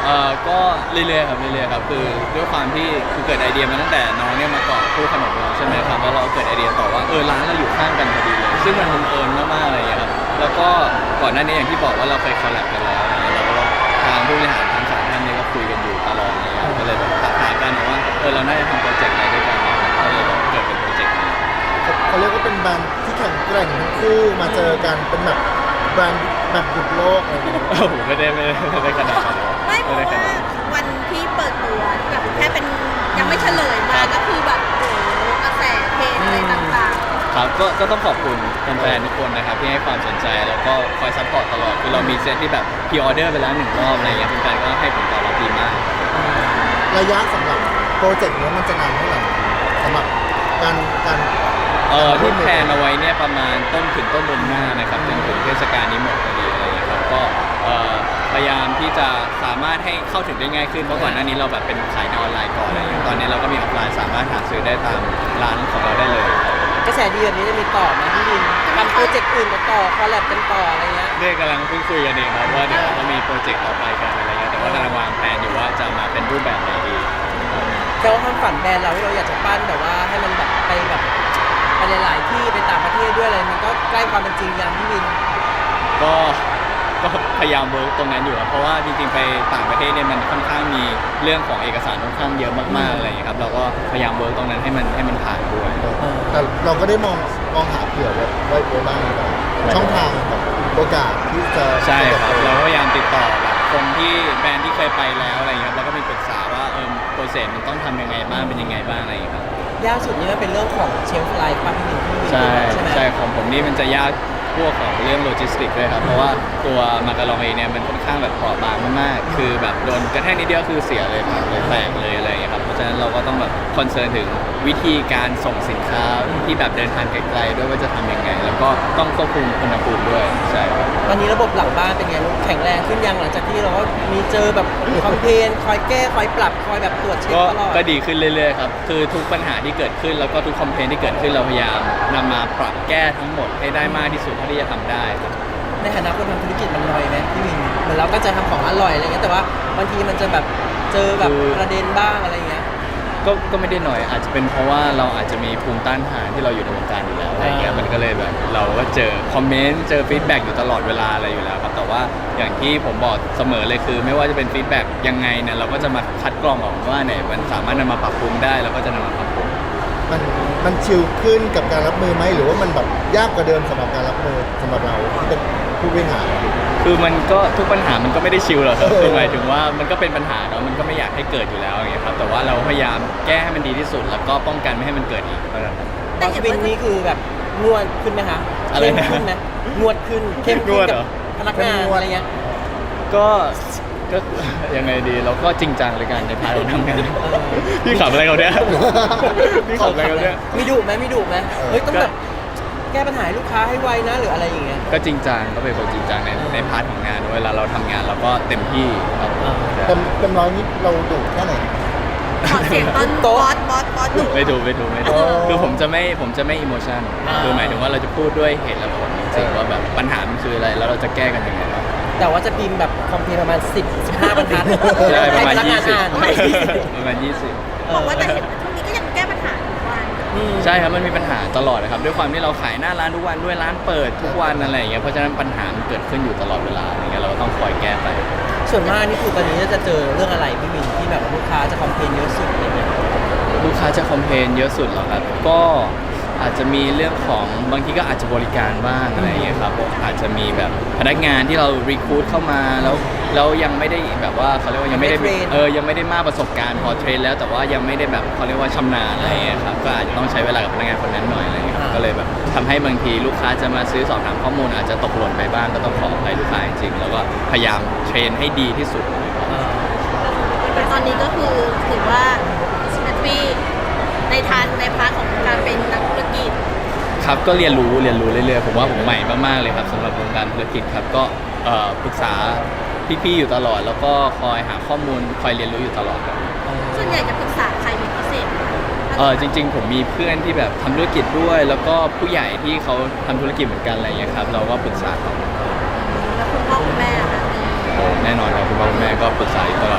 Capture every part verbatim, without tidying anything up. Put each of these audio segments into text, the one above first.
เอ่อก็เรื่อยๆครับเรื่อยๆครับคือด้วยความที่คือเกิดไอเดียมาตั้งแต่น้องเนี่ยมาเกาะคู่ขนมเราใช่ไหมครับแล้วเราเกิดไอเดียต่อว่าเออร้านเราอยู่ข้างกันพอดีเลยซึ่งมันบังเอิญมากๆอะไรอย่างเงี้ยครับแล้วก็ก่อนหน้านี้อย่างที่บอกว่าเราเคยคอลแลบกันแล้วอะไรเงี้ยแล้วก็ทางผู้บริหารทั้งสามท่านเนี่ยก็คุยกันอยู่ตลอดอะไรเงี้ยก็เลยแบบทักทายกันว่าเออเราน่าจะทำโปรเจกต์อะไรด้วยกันเนี่ยก็เลยแบบเกิดเป็นโปรเจกต์นี้เขาเรียกว่าเป็นแบรนด์ที่แข็งแกร่งทั้งคู่มาเจอกันเป็นแบบแบรนด์แบบหยุดโลกอะไรอย่างเงี้ยโอ้โหไม่ได้ไม่ได้ไม่ได้ขนาดนั้นไม่เพราะด้ขว่านาดนั้นวันที่เปิดตัวที่แบบแค่เป็นยังไม่เฉลยมาก็คือแบบโอ้โหกระแสเพลงอะไรต่างครับก็ก็ต้องขอบคุณแฟนๆทุกคนนะครับที่ให้ความสนใจแล้วก็คอยซัพพอร์ตตลอดคือเรามีเซตที่แบบพรีออเดอร์ไปแล้วหนึ่งรอบอะไรเงี้ยแฟนๆก็ให้ผลตอบรับดีมากระยะสำหรับโปรเจกต์นี้มันจะนานเท่าไหร่สำหรับการการเอ่อที่แพลนเอาไว้เนี่ยประมาณต้นถึงต้นเดือนหน้านะครับจนถึงเทศกาลนี้หมดพอดีอะไรเงี้ยครับก็เอ่อพยายามที่จะสามารถให้เข้าถึงได้ง่ายขึ้นเพราะก่อนหน้านี้เราแบบเป็นขายในออนไลน์ก่อนอะไรเงี้ยตอนนี้เราก็มีออฟไลน์สามารถหาซื้อได้ตามร้านของเราได้เลยกระแสดีแบบนี้จะมีต่อไหมพี่วินทำโปรเจกต์อื่นต่อคอลแลบกันต่ออะไรเงี้ยเรื่องกำลังเพิ่งคุยกันเองครับว่าเดี๋ยวเรามีโปรเจกต์ต่อไปกันอะไรเงี้ยแต่ว่ากำลังวางแผนอยู่ว่าจะมาเป็นรูปแบบไหนดีแต่ว่าความฝันแบรนด์เราที่เราอยากจะปั้นแบบว่าให้มันแบบไปแบบไปหลายๆที่ไปต่างประเทศด้วยอะไรมันก็ใกล้ความเป็นจริงยังพี่วินก็ก็พยายามเวิร์กตรงนั้นอยู่ครับเพราะว่าจริงๆไปต่างประเทศเนี่ยมันค่อนข้างมีเรื่องของเอกสารค่อนข้างเยอะมากๆอะไรอย่างเงี้ยครับเราก็พยายามเวิร์กตรงนั้นให้มันให้มันผ่านด้วยแต่เราก็ได้มองมองหาเผื่อไว้ไว้ไว้บ้างแบบช่องทางแบบโอกาสที่จะใช่ครับจะเราก็พยายามติดต่อแบบคนที่แบรนด์ที่เคยไปแล้วอะไรอย่างเงี้ยครับแล้วก็มีปรึกษาว่าเออโปรเซสมันต้องทำยังไงบ้างเป็นยังไงบ้างอะไรอย่างเงี้ยครับยากสุดนี่มันเป็นเรื่องของเชลฟ์ไลฟ์ป่ะพี่วินพี่วินใช่ใช่ไหมใช่ของผมนี่มันจะยากพวกของเรื่องโลจิสติกด้วยครับเพราะว่าตัวมาการองเองเนี่ยมันค่อนข้างแบบเปราะบางมากๆคือแบบโดนกระแทกนิดเดียวคือเสียเลยพังเลยแตกเลยอะไรอย่างเงี้ยครับเพราะฉะนั้นเราก็ต้องแบบคอนเซิร์นถึงวิธีการส่งสินค้าที่แบบเดินทางไกลๆด้วยว่าจะทำยังไง แล้วก็ต้องควบคุมอุณหภูมิด้วยใช่ครับตอนนี้ระบบหลังบ้านเป็นไงลูกแข็งแรงขึ้นยังหลังจากที่เราก็มีเจอแบบคอมเพลนคอยแก้คอยปรับคอยแบบตรวจเช็คก็ตลอดก็ดีขึ้นเรื่อยๆครับคือทุกปัญหาที่เกิดขึ้นแล้วก็ทุกคอมเพลนที่เกิดขึ้นเราพยายามนำมาปรับแก้ทั้งหมดให้ได้มากที่สุดเท่าที่จะทำได้ครับในฐานะคนทำธุรกิจมันน้อยไหมพี่วินเหมือนเราก็จะทำของอร่อยอะไรเงี้ยแต่ว่าบางทีมันจะแบบเจอแบบคือประเด็นบ้างอะไรเงี้ยก็ก็ไม่ได้หน่อยอาจจะเป็นเพราะว่าเราอาจจะมีภูมิต้านทานที่เราอยู่ในวงการอยู่แล้วอะไรเงี้ยอ่ามัมันก็เลยแบบเราก็เจอคอมเมนต์เจอฟีดแบ็กอยู่ตลอดเวลาอะไรอยู่แล้วครับแต่ว่าอย่างที่ผมบอกเสมอเลยคือ ไม่ว่าจะเป็นฟีดแบ็กยังไงเนี่ยเราก็จะมาคัดกรองออกว่าไหนมันสามารถนำมาปรับปรุงได้เราก็จะนำมาปรับปรุงมันมันชิลขึ้นกับการรับมือไหมหรือว่ามันแบบยากกว่าเดิมสำหรับการรับมือสำหรับเราที่เป็นผู้บริหารคือมันก็ทุกปัญหามันก็ไม่ได้ชิลหรอกครับเออคือหมายถึงว่ามันก็เป็นปัญหาเนาะมันก็ไม่อยากให้เกิดอยู่แล้วอย่างเงี้ยครับแต่ว่าเราพยายามแก้ให้มันดีที่สุด แล้วก็ป้องกันไม่ให้มันเกิดอีกเท่านั้นครับแต่บางเห็นวินว่านี่คือแบบงวดขึ้นไหมคะอะไรเข้มนะขึ้นไหมงวดขึ้นเข้มงขึ้วน ดกัเหรบอพนักงานอะไรเงี้ยก็ก็ ยังไงดีเราก็จริงจังเลยกันในพาร์ทของทำงานพี่ขับอะไรเขาเนี่ยพี่ขับอะไรเขาเนี่ยมีดุไหมมีดุไหมเฮ้ยต้องแบบแก้ปัญหาให้ลูกค้าให้ไวนะหรืออะไรอย่างเงี้ยก็จริงจังก็เป็นคนจริงจังในในพาร์ทของงานเวลาเราทำงานเราก็เต็มที่ครับเต็มเต็มร้อยนี้เราดุแค่ไหนขอเสียงตอนบอสบอสบอสหนูไม่ถูกไม่ถูกไม่ถูกอ๋อคือผมจะไม่ผมจะไม่อิโมชันคือหมายถึงว่าเราจะพูดด้วยเหตุและผลจริงๆว่าแบบปัญหามันคืออะไรแล้วเราจะแก้กันยังไงบ้างแต่ว่าจะพิมพ์แบบคอมเพลนประมาณสิบ สิบห้าบรรทัดใช่ประมาณให้พนักยี่งานสิบอ่านประมาณยี่สิบบอกว่าแต่เห็นว่าช่วงนี้ก็ยังแก้ปัญหาทุกวันอืมใช่ครับมันมีปัญหาตลอดนะครับด้วยความที่เราขายหน้าร้านทุกวันด้วยร้านเปิดทุกวันอะไรอย่างเงี้ยเพราะฉะนั้นปัญหามันเกิดขึ้นอยู่ตลอดเวลาอย่างเงี้ยเราก็ต้องคอยแก้ไปส่วนมากนี่คือตอนนี้จะเจอเรื่องอะไรพี่วินที่แบบว่าลูกค้าจะคอมเพลนเยอะสุดอะไรเงี้ยลูกค้าจะคอมเพลนเยอะสุดเหรอครับ ก็อาจจะมีเรื่องของบางทีก็อาจจะบริการบ้างอะไรอย่างเงี้ยครับผมอาจจะมีแบบพนักงานที่เรารีคูดเข้ามาแล้วแล้วยังไม่ได้แบบว่าเขาเรียกว่ายังไม่ได้ยังไม่ได้เทรนเออยังไม่ได้มากประสบการณ์พอเทรนแล้วแต่ว่ายังไม่ได้แบบเขาเรียกว่าชำนาญอะไรอย่างเงี้ยครับก็อาจจะต้องใช้เวลากับพนักงานคนนั้นหน่อยอะไรอย่างเงี้ยครับก็เลยแบบทำให้บางทีลูกค้าจะมาซื้อสอบถามข้อมูลอาจจะตกหล่นไปบ้างก็ต้องขออภัยลูกค้าจริงๆแล้วก็พยายามเทรนให้ดีที่สุดแต่ตอนนี้ก็คือถือว่าแฮปปี้ในทางในพาร์ทของการเป็นนักธุรกิจครับก็เรียนรู้เรียนรู้เรื่อยๆผมว่าผมใหม่มากๆเลยครับสำหรับวงการธุรกิจครับก็เอ่อปรึกษาพี่ๆอยู่ตลอด แล้วก็คอยหาข้อมูลคอยเรียนรู้อยู่ตลอดครับส่วนใหญ่จะปรึกษาใครเป็นพิเศษไหมเออจริง ๆ ผมมีเพื่อนที่แบบทำธุรกิจด้วย แล้วก็ผู้ใหญ่ที่เขาทำธุรกิจเหมือนกันอะไรอย่างเงี้ยครับเราก็ปรึกษาเขาแล้วคุณพ่อคุณแม่อะคะโอ้แน่นอนครับคุณพ่อคุณแม่ก็ปรึกษาอยู่ตลอด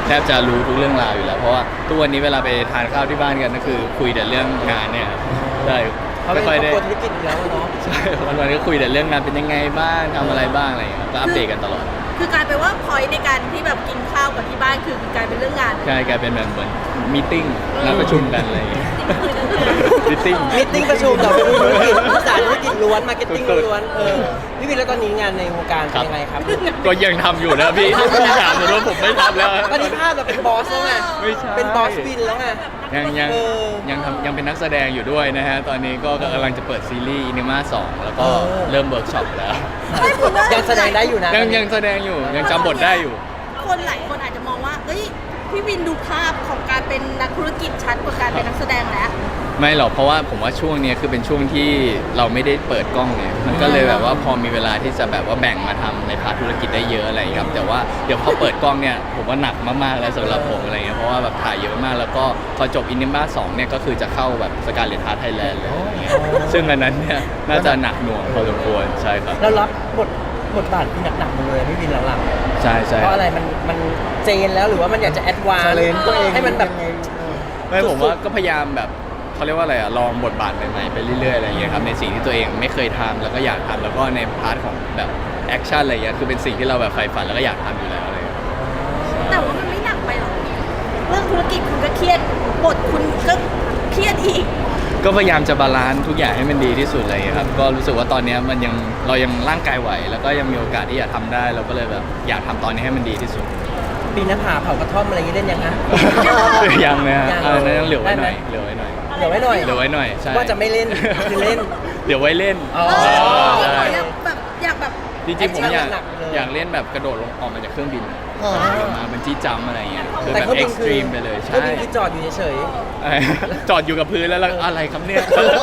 แทบจะรู้ทุกเรื่องราวอยู่แล้วเพราะว่าทุกวันนี้เวลาไปทานข้าวที่บ้านกันก็คือคุยแต่เรื่องงานเนี่ยครับใช่เขาเป็นไม่ครค่ออบ ยได้ครัวธุรกิจอยู่แล้วอะเนาะใช่วันๆก็คุยแต่เรื่องงานเป็นยังไงบ้างทำอะไรบ้างอะไรอย่างเงี้ยก็อัปเดตกันตลอดคือกลายเป็นว่าพอยในการที่แบบกินข้าวกับที่บ้านคือกลายเป็นเรื่องงานใช่กลายเป็นแบบเหมือนมีติ้งนัดประชุมกันอะไรอย่างเงี้ยมีติ้งมิทติ้งประชุมต่อไปธุรกิจภาษาธุรกิจล้วนมาร์เก็ตติ้งสุดๆล้วนเออพี่วินแล้วตอนนี้งานในวงการเป็นยังไงครับก็ยังทำอยู่นะพี่พี่ถามผมว่าผมไม่ทำแล้วตอนนี้ภาพเราเป็นบอสแล้วไงไม่ใช่เป็นบอสวินแล้วไงยังยังเออยังทำยังเป็นนักแสดงอยู่ด้วยนะฮะ ตอนนี้ก็กำลังจะเปิดซีรีส์อินิมาสองแล้วก็เออเริ่มเวิร์กช็อปแล้วไม่ผมว่ายังแสดงได้อยู่นะยังยังแสดงอยู่ยังจำบทได้อยู่คนหลายคนอาจจะมองว่าเอ้ยพี่วินดูภาพของการเป็นนักธุรกิจชัดกว่าการเป็นนักแสดงแล้วไม่หรอกเพราะว่าผมว่าช่วงเนี้ยคือเป็นช่วงที่เราไม่ได้เปิดกล้องเนี่ยมันก็เลยแบบว่าพอมีเวลาที่จะแบบว่าแบ่งมาทำในพาร์ทธุรกิจได้เยอะอะไรอย่างเงี้ยครับแต่ว่าเดี๋ยวพอเปิดกล้องเนี่ยผมว่าหนักมากๆแล้วสำหรับผมอะไรเงี้ยเพราะว่าแบบถ่ายเยอะมากแล้วก็พอจบอินนิบ้าสองเนี่ยก็คือจะเข้าแบบสการเลตฮาร์ทไทยแลนด์เลยอะไรเงี้ยซึ่งอันนั้นเนี่ยน่าจะหนักหน่วงพอสมควรใช่ครับเรารับบทบทบาทที่หนักๆหมดเลยพี่วินหลังใช่ๆใช่เพราะอะไรมันมันเจนแล้วหรือว่ามันอยากจะแอดวานชาเลนตัวเองให้มันแบบยังไงเออไม่ผมว่าก็พยายามแบบเขาเรียกว่าอะไรอะลองบทบาทใหม่ๆไปเรื่อยๆอะไรอย่างเงี้ยครับในสิ่งที่ตัวเองไม่เคยทำแล้วก็อยากทำแล้วก็ในพาร์ทของแบบแอคชั่นอะไรอย่างเงี้ยคือเป็นสิ่งที่เราแบบใฝ่ฝันแล้วก็อยากทำอยู่แล้วอะไรอย่างเงี้ยแต่ว่ามันไม่หนักไปหรอกเรื่องธุรกิจคุณก็เครียดบทคุณก็เครียดอีกก็พยายามจะบาลานซ์ทุกอย่างให้มันดีที่สุดอะไรอย่างเงี้ยครับก็รู้สึกว่าตอนเนี้ยมันยังเรายังร่างกายไหว แล้วก็ยังมีโอกาสที่จะทำได้เราก็เลยแบบอยากทำตอนนี้ให้มันดีที่สุดปีนหน้าผาเผากระท่อมอะไรอย่างนี้เล่นยังฮะยังนะฮะยังอันนั้นยังเหลือไว้หน่อยได้ไหมเหลือไว้หน่อยเหลือไว้หน่อยเหลือไว้หน่อยใช่ว่าจะไม่เล่นคือเล่นเดี๋ยวไว้เล่นอ๋อเออใช่อยากแบบอยากแบบจริงๆผมอยากหนักๆเลยอยากเล่นแบบกระโดดลงออกมาจากเครื่องบินอ๋อเดี๋ยวมาบันจี้จัมป์อะไรอย่างเงี้ยคือแต่แบบเขาเอ็บิกนซ์ตคือรีมไปเลยเขาใช่บินคือจอดอยู่เฉยจอดอยู่กับพื้นแล้วแล้วอะไรครับเนี่ย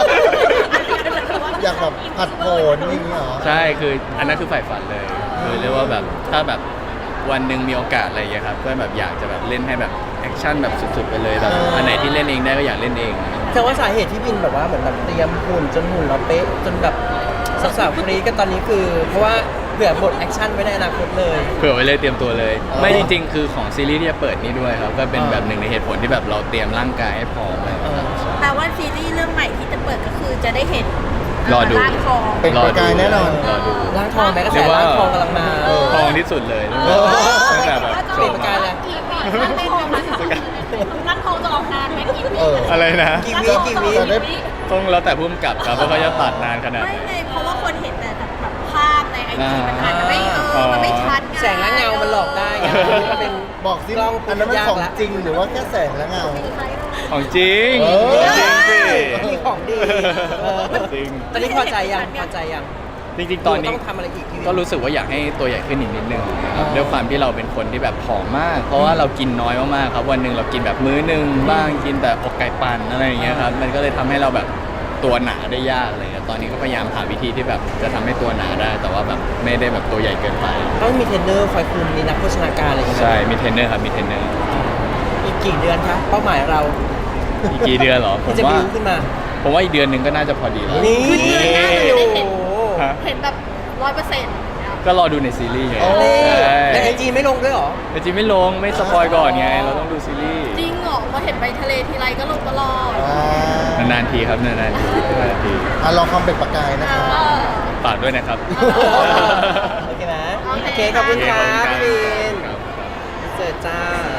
อยากแบบผัดโผนอย่างนี้เหรอใช่คืออันนั้นคือฝ่ายฝันเลยคือเรียกว่าแบบถ้าแบบวันหนึ่งมีโอกาสอะไรอย่างเงี้ยครับก็แบบอยากจะแบบเล่นให้แบบแอคชั่นแบบสุดๆไปเลยแบบอันไหนที่เล่นเองได้ก็อยากเล่นเองๆแต่ว่าสาเหตุที่บินแบบว่าเหมือนแบบเตรียมหุ่นจนหุ่นเราเป๊ะจนแบบสาวๆฟรีกันตอนนี้คือ เพราะว่าเผื่อบทแอคชั่นไว้ในอนาคตเลยเผื่อไว้เลยเตรียมตัวเลยอ๋อไม่จริงๆ คือของซีรีส์ที่จะเปิดนี้ด้วยครับ ก็เป็นอ่าแบบหนึ่งในเหตุผลที่แบบเราเตรียมร่างกายให้พร้อมเลยเออแปลว่าซีรีส์เรื่องใหม่ที่จะเปิดก็คือจะได้เห็นรอดูร่างทองเป็นประกายแน่นอนรอดูร่างทองแม้กระเรีแสยกว่าร่างทองกำลังมาเออทองที่สุดเลยเออตั้งแต่แบบเปลี่ยนประกายเลยร่างทองจะออกนานไหมกี่วิเอออะไรนะกี่วิกี่วิจะได้ต้องแล้วแต่พุ่มกับครับว่าเขาจะตัดนานขนาดไหนไม่ไงเพราะว่าคนเห็นแต่แบบภาพในไอจีมันอาจจะไม่เออมันไม่ชัดไงแสงและเงามันหลอกได้ไงมันเป็นบอกสิกล้องอันนั้นมันยากของละจริงหรือว่าแค่แสงและเงาของจริงเออจริงสิมีของดีเออจริงตอนนี้พอใจยังพอใจยังจริงๆ ตอนนี้ต้องทำอะไรอีกพี่วินก็รู้สึกว่าอยากให้ตัวใหญ่ขึ้นอีกนิดนึงนะครับด้วยความที่เราเป็นคนที่แบบผอมมาก เพราะว่าเรากินน้อยมากๆครับวันหนึ่งเรากินแบบมื้อหนึ่งบ้างกินแต่อกไก่ปั่นอะไรอย่างเงี้ยครับมันก็เลยทำให้เราแบบตัวหนาได้ยากอะไรเลยตอนนี้ก็พยายามหาวิธีที่แบบจะทำให้ตัวหนาได้ แต่ว่าแบบไม่ได้แบบตัวใหญ่เกินไปต้องมีเทรนเนอร์คอยคุมมีนักโภชนาการอะไรอย่างเงี้ยใช่มีเทรนเนอร์ครับมีเทรนเนอร์อีกกี่เดือนคะเป้าหมายเราอีกกี่เดือนเหรอผที่มจะว่าบิวขึ้นมาผมว่าอีกเดือนหนึ่งก็น่าจะพอดีแล้วนี่คือเดือนหน้าเราจะได้เห็นโอ้โหฮะเห็นแบบร้อยเปอร์เซ็นต์ก็รอดูในซีรีส์ไงโอ้ใช่แต่ไอจีไม่ลงด้วยเหรอแต่จริงไม่ลงไม่สปอยก่อนไงเราต้องดูซีรีส์จริงเหรอพอเห็นไปทะเลทีไรก็ลงตลอดอ่านานๆทีครับนานๆทีนานๆทีอ่ะลองความเป็นประกายนะครับเออฝากด้วยนะครับโอเคนะโอเคโอเคขอบคุณครับโอเคขอบคุณครับพี่วินครับเจอจ้า